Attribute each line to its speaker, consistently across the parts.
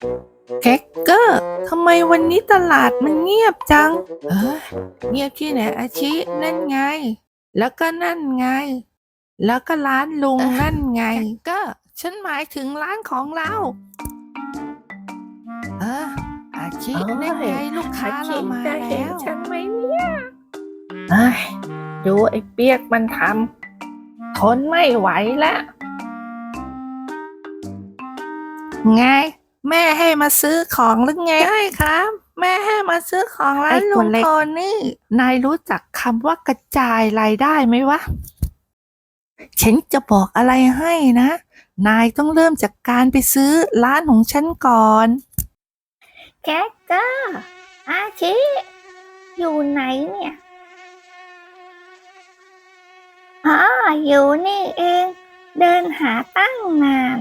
Speaker 1: แคคเกอร์ทำไมวันนี้ตลาดมันเงียบจังเงียบที่ไหนอาชินั่นไง แล้วก็นั่นไง แล้วก็ร้านลุงนั่นไงก็ฉันหมายถึงร้านของเราอาชินั่นไงลูกค้าเรามาแล้ว
Speaker 2: ฉันไหมเนี่ยดูไอ้เปียกมันทำทนไม่ไหวแล้ว
Speaker 1: ไงแม่ให้มาซื้อของหรือไงใช่ครับแม่ให้มาซื้อของร้านลุงโทนี่นายรู้จักคำว่ากระจายรายได้ไหมวะฉันจะบอกอะไรให้นะนายต้องเริ่มจากการไปซื้อร้านของฉันก่อน
Speaker 2: แคคเกอร์อาชิอยู่ไหนเนี่ยอยู่นี่เองเดินหาตั้งนาน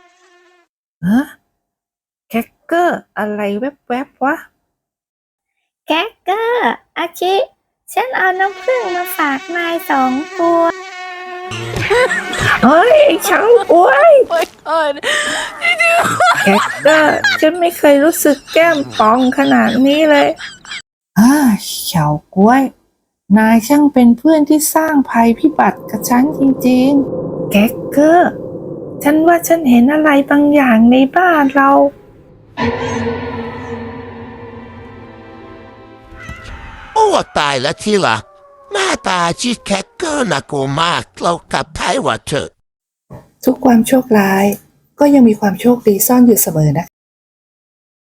Speaker 1: แคคเกอร์อะไรแวบๆวะ
Speaker 2: แคคเกอร์อาชิฉันเอาน้ำผึ้งมาฝากนาย2 ตัวเฮ้ยช่างกล้วยแคคเกอร์ฉันไม่เคยรู้สึกแก้มป่องขนาดนี้เลย
Speaker 1: เฉาก้วยนายช่างเป็นเพื่อนที่สร้างภัยพิบัติกับฉันจริงๆแคคเกอร์ฉันว่าฉันเห็นอะไรบางอย่างในบ้านเรา
Speaker 3: โอ้ตายแล้วที่ละหน้าตาชิดแคคเกอร์น่ากลัวมากเรากลับไทยว่าเถอะ
Speaker 1: ทุกความโชคร้ายก็ยังมีความโชคดีซ่อนอยู่เสมอนะ